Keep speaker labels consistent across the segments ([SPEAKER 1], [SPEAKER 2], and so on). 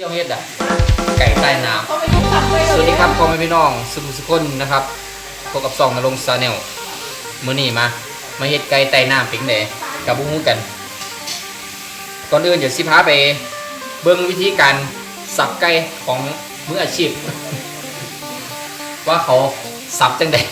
[SPEAKER 1] ที่ยวเฮ็ดอ่ะไก่ใต้น้ำสวัสดีครับพ่อแม่พี่น้องสุขคนนะครับพบกับซองนรงค์ชาแนลมื้อนี้มาเฮ็ดไก่ใต้น้ำเป็นไดกับบุ้งกันก่อนอื่นเดี๋ยวสิพาไปเบิ่งวิธีการสับไก่ของมืออาชีพ ว่าเขาสับจังได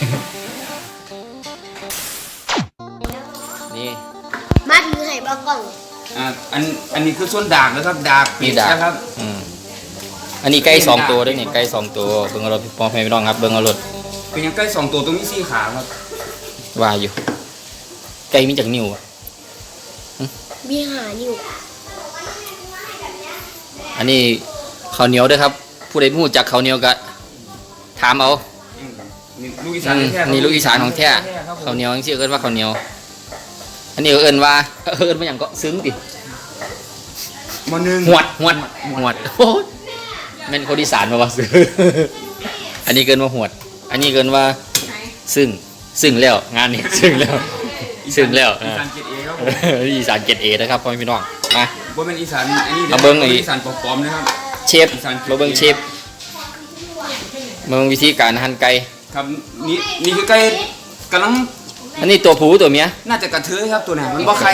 [SPEAKER 1] นี่
[SPEAKER 2] มาถือให้บ่กล่อง
[SPEAKER 3] อันนี้คือส่วนดากนะครับดากปิดนะครับ
[SPEAKER 1] อันนี้ไก่2ตัวด้วยนี่ไก่2ตัวเบิ่งเอารถพ่อแม่พี่น้องครับเบิ่งเอารถ
[SPEAKER 3] เป็นยังไก่2ตัวตรงนี้4ขาครับ
[SPEAKER 1] ว่าอยู่ไก่มีจักนิ้วอ่ะ
[SPEAKER 2] มี5 นิ้ว
[SPEAKER 1] อันนี้ข้าวเหนียวด้วยครับผู้ใดรู้จักข้าวเหนียวก็ถามเอา
[SPEAKER 3] นี่ลูกอีสานแท้
[SPEAKER 1] นี่ลูกอีสานของแท้ข้าวเหนียวจังซี่เอิ้นว่าข้าวเหนียวอันนี้เอิ้นว่าหยังก็ซึ้งติ
[SPEAKER 3] ม.1
[SPEAKER 1] หวดโอ้ยแม่นคนอีสานบ่ว่าซึ้งอันนี้เกินว่าหวดอันนี้เกินว่าซึ่งแล้วงานนี้ซึ่งแล้ว
[SPEAKER 3] อีสานเกรด A ครับ
[SPEAKER 1] อีสานเกรด A นะครับพ่อพี่น้องมา
[SPEAKER 3] บ่แม่นอีสานอันนี้
[SPEAKER 1] เบิ่ง
[SPEAKER 3] อีสานปลอมๆนะครับ
[SPEAKER 1] เชฟมาเบิ่งเชฟเบิ่งวิธีการหั่นไก่
[SPEAKER 3] ครับนี่คือไก่กำลัง
[SPEAKER 1] อันนี้ตัวผู้ตัวเมีย
[SPEAKER 3] น่าจะกระเทยครับตัวไหนมันบ่ไข่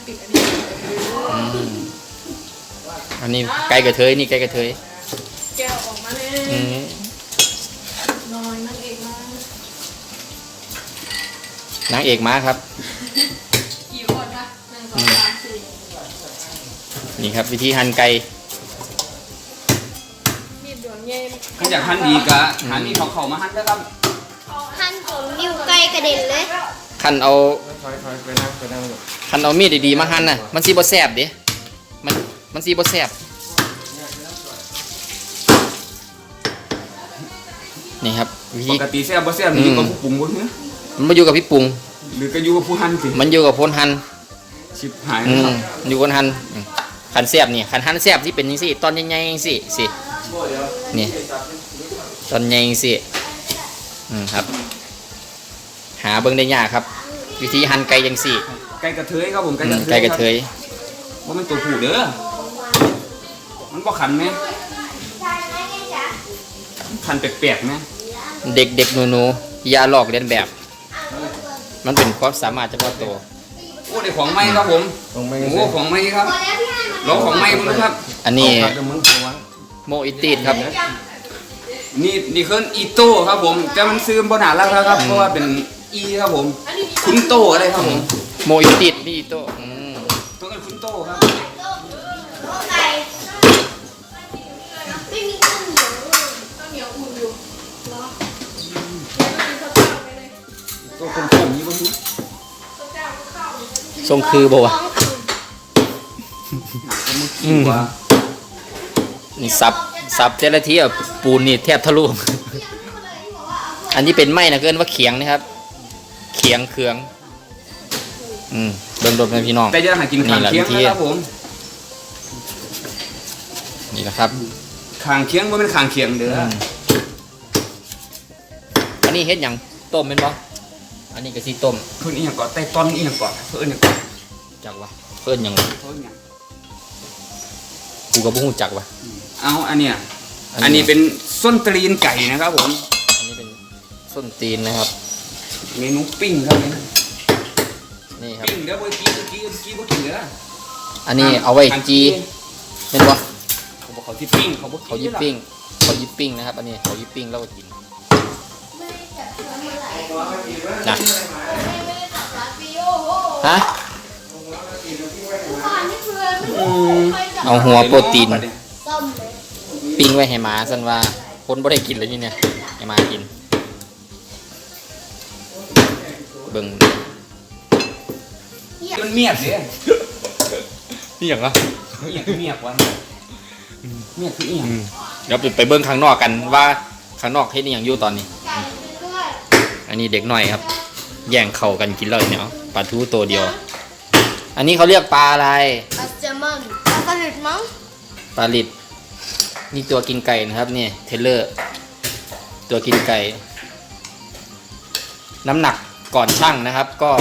[SPEAKER 1] อันนี้ไก่กระเทยนี่ไก่กระเทย
[SPEAKER 2] แกออกมาเลยนอนนางเอกม
[SPEAKER 1] านางเอกมาครับ
[SPEAKER 2] กี่คนคะ1 2 3 4
[SPEAKER 1] นี่ครับวิธีหั่นไก่
[SPEAKER 2] มีดดวงใหญ่
[SPEAKER 3] ถ้าอยากหั่นดีก็หามีเข้ามาหั่นนะครับ
[SPEAKER 2] หั่นผมนิ้วไก่กระเด็นเลย
[SPEAKER 1] คันเอามีดดีๆมาหั่นน่ะมันสิบ่แซ่บเด้มันสิบ่แซ่บนี่ครับ
[SPEAKER 3] ปกติแซ่บบ่แซ่บนี่อยู่กับผู้ปรุงบ่ฮึ
[SPEAKER 1] มันบ่อยู่กับพี่ปรุง
[SPEAKER 3] หรือก็อยู่กับผู้หั่นสิ
[SPEAKER 1] มันอยู่กับคนหั่น
[SPEAKER 3] ชิบหายนะครับ
[SPEAKER 1] อยู่คนหั่นคันแซ่บนี่คันหั่นแซ่บที่เป็นจังซี่ตอนใหญ่ๆจังซี่สินี่ตอนใหญ่จังซี่ครับหาเบิ่งได้ยากครับวิธีหั่นไก่จังซี่
[SPEAKER 3] ไก่กระเทยครับผม
[SPEAKER 1] ไก่กระเทย
[SPEAKER 3] ว่ามันตัวผู้เด้อมันบ่ขันไหมขันแปลกๆไหม
[SPEAKER 1] เด็กๆหนูๆอย่าลอกเลียนแบบมันเป็นความสามารถเฉพาะตัว
[SPEAKER 3] โอ้ได้ของใหม่ครับผมโอ้ของใหม่ครับลองของใหม่มั้งครับ
[SPEAKER 1] อันนี้โมอิตีดครับ
[SPEAKER 3] นี่คืออีโต้ครับผมแต่มันซื้อบ่หนาแล้วครับเพราะว่าเป็นอีครับผมคุณโต้อะไรครับผม
[SPEAKER 1] โมอิตีดนี่อีโต้
[SPEAKER 3] ตัวกันคุณโต้ครับตัวคนๆนี้บ่รู้
[SPEAKER 1] ทรงคือบ่วะนี่สับเจลาทีอ่ะปูนนี่แทบทะลุอันนี้เป็นไม้นะเกินว่าเขียงนะครับเขียงเครื่องเบิ่งรถนะพี่น้อง
[SPEAKER 3] แต่จะหากินข้างเคียงนะครับผม
[SPEAKER 1] นี่แหละครับ
[SPEAKER 3] ข้างเคียงบ่เป็นข้างเคียงเด้อ
[SPEAKER 1] อันนี้เฮ็ดหยังต้มเป็นบ่อันนี้ก็สิต้ม
[SPEAKER 3] เพิ่นอีหยังก่อนไต้ต้นอีหยังก่อนเพิ่นอีหยังก่อน
[SPEAKER 1] จักวะเพิ่นหยังกูก็บ่ฮู้จักวะ
[SPEAKER 3] เอาอันเนี้ยอันนี้เป็นส้นตีนไก่นะครับผม
[SPEAKER 1] อันนี้เป็นส้นตีนนะครับ
[SPEAKER 3] เมนูปิ้งครับ
[SPEAKER 1] นี่ครับ
[SPEAKER 3] ปิ้งเด้อบ่กี้บ่กินเด้อ
[SPEAKER 1] อันนี้เอาไว้จีแม่นบ่
[SPEAKER 3] เขาที่ปิ้ง
[SPEAKER 1] เขายิบปิ้งนะครับอันนี้เขายิบปิ้งแล้วก็กินนะฮะเอาหัวโปรตีนปิ้งไว้ให้หมาซั่นว่าคนบ่ได้กินเลยนี่เนี่ยให้หมากินเบิ่ง
[SPEAKER 3] มันเมียบเด้
[SPEAKER 1] นี่หยังอ่ะ
[SPEAKER 3] เมียบวะเมียบคืออีหยัง
[SPEAKER 1] เดี๋ยวไปเบิ่งข้างนอกกันว่าข้างนอกเฮ็ดอีหยังอยู่ตอนนี้อันนี้เด็กน้อยครับแย่งเข่ากันกินเลยเนี่ยปลาทูตัวเดียวอันนี้เขาเรียกปลาอะไร
[SPEAKER 2] ปลาแซลมอนปลาลิดมั้ง
[SPEAKER 1] ปลาลิดนี่ตัวกินไก่นะครับนี่เทเลอร์ตัวกินไก่น้ำหนักก่อนชั่งนะครับก็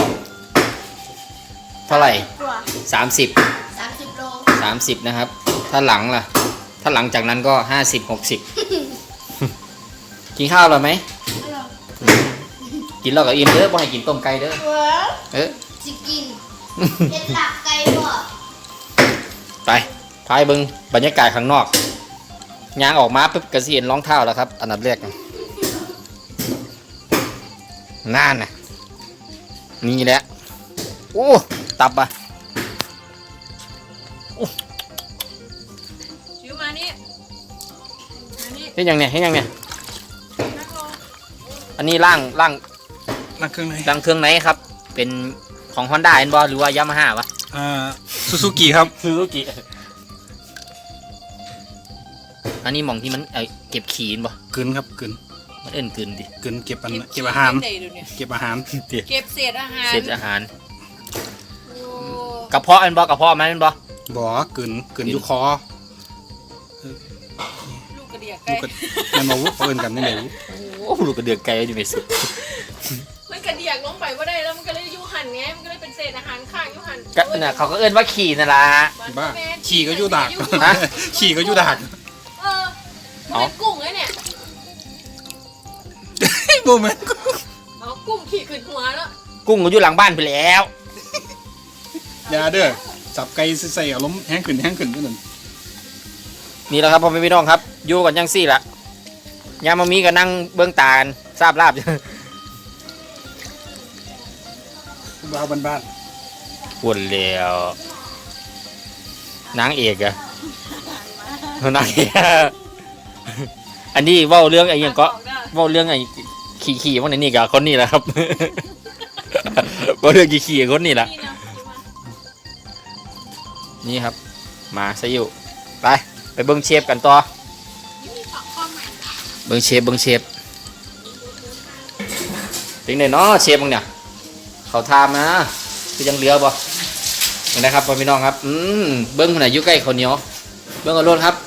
[SPEAKER 1] เท่าไหร่30 โล30นะครับถ้าหลังล่ะถ้าหลังจากนั้นก็50-60 กินข้าวหรอไหม
[SPEAKER 2] อร่อย
[SPEAKER 1] กินแล้วก็อิ่มเด้อบ่ให้กินต้มไก่เด้อ
[SPEAKER 2] เว้ย
[SPEAKER 1] เออ
[SPEAKER 2] สิกินเห็ดหลักไก่บ่
[SPEAKER 1] ไปพายเบิ่งบรรยากาศข้างนอกยางออกมาปุ๊บก็สิเห็นรองเท้าแล้วครับอันดับแรกน่านน่ะนี่แหละโอ้ตับอ่ะ
[SPEAKER 2] ชิวมานี่มานี่
[SPEAKER 1] เฮ็ดหยังเนี่ยเฮ็ดหยังเนี่ย
[SPEAKER 2] นั่งลง
[SPEAKER 1] อันนี้ล่าง
[SPEAKER 3] นักเครื่องไหน
[SPEAKER 1] เครื่องไหนครับ เป็นของ Honda เห็นบ่หรือว่า Yamaha วะ
[SPEAKER 3] ซูซูกิครับ
[SPEAKER 1] ซูซูกิอันนี้หม่องที่มันเก็บขี้เห็นบ่
[SPEAKER 3] กึนครับกึน
[SPEAKER 1] มันเอิ้นกลืนดิ
[SPEAKER 3] กึนเก็บอาหาร
[SPEAKER 2] เก็บเดี๋ยวนี้
[SPEAKER 3] เก็บอาหาร
[SPEAKER 2] เก็บเศษอาหาร
[SPEAKER 1] เศษอาหาร
[SPEAKER 2] โอ้
[SPEAKER 1] กระเพาะเห็นบ่กระเพาะมันเห็นบ่
[SPEAKER 3] บ่กึนอยู่คอ
[SPEAKER 2] ลูกกระเดียก
[SPEAKER 3] ลู
[SPEAKER 2] ไก่
[SPEAKER 3] กก็แม่นมาวุ้เอิ้นกันนี่แหละวุ้
[SPEAKER 1] โอ้ลูกกระเดือกไก่อยู่ไม่สุด
[SPEAKER 2] มันกระเดียกลงไปว่าได้แล้วมันก็เลยยุหันไงมันก็เลยเป็นเศษอาหารข้างยุหัน
[SPEAKER 1] ก็น่ะเขาก็เอิ้นว่าขี่นั่นล่ะ
[SPEAKER 3] บ้าขี่ก็อยู่ดาก
[SPEAKER 1] ฮะ
[SPEAKER 3] ขี่ก็อยู่ดาก
[SPEAKER 2] เออมันเป็นกุ้งไงเนี่ย
[SPEAKER 3] บ่แม่น
[SPEAKER 2] เอากุ้งขี่ขึ้นหัวแล้ว
[SPEAKER 1] กุ้งก็อยู่หลังบ้านไปแล้ว
[SPEAKER 3] อย่าเด้อจับไก่ใส่อารมณ์แห้งขึ้นเท่านั้น
[SPEAKER 1] นี่แหละครับพ่อแม่พี่น้องครับอยู่กันจังซี่ล่ะยามมามีก็นั่งเบิ่งตากันทราบลาบ
[SPEAKER 3] บ้าบ้าน
[SPEAKER 1] ปวดแล้วนางเอกอะนางเอกอันนี้เว้าเรื่องไอ้หยังก็เว้าเรื่องไอ้ขี่ๆวันนี้กับคนนี้แหละครับ เว้าเรื่องขี่ๆคนนี้แหละ
[SPEAKER 2] นี่นะ
[SPEAKER 1] นี่ครับมาซะอยู่ไปเบิ่งเชฟกันต่อเบิ่งเชฟเป็นไงเนาะเชฟมึงเนี่ยเขาทามนะคือยังเหลือบ่เห็นนะครับพ่อพี่น้องครับเบิ้งคนไหนอยู่ใกล้ข้าวเหนียวเบิ้งเอารถครับ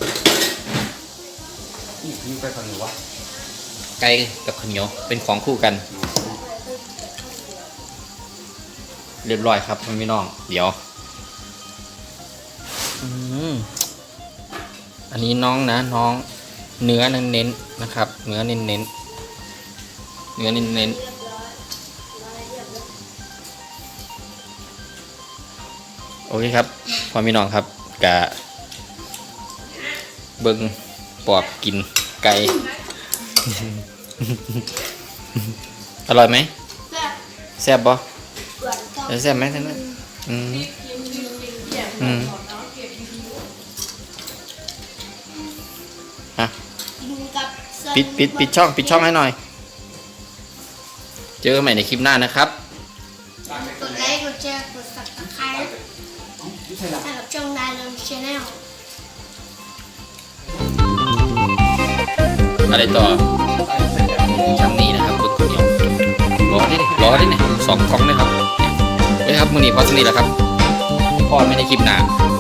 [SPEAKER 1] อยู่ใกล้ข้าวเหนียววะไก่กับข้าวเหนียวเป็นของคู่กันเรียบร้อยครับพ่อพี่น้องเดี๋ยวอันนี้น้องนะน้องเนื้อเน้นๆนะครับเนื้อเน้นโอเคครับพ่อพี่น้องครับกะเบิ้งปอบกินไก่ อร่อยไหมแซ่บบ่แซ่บไหมท่านนั้นฮะปิดช่องให้หน่อยเจอกันใหม่ในคลิปหน้านะครับ
[SPEAKER 2] กดไลค์กดแชร์กด Subscribe ให้กับช่องดาราชาแนล
[SPEAKER 1] อะไรต่อช่างนี้นะครับบึกคนเดียวรอได้เนี่ย2 กล่องนะครับนี่ครับมือนี้พอสนิทแล้วครับพ่อไม่ได้คลิปหนา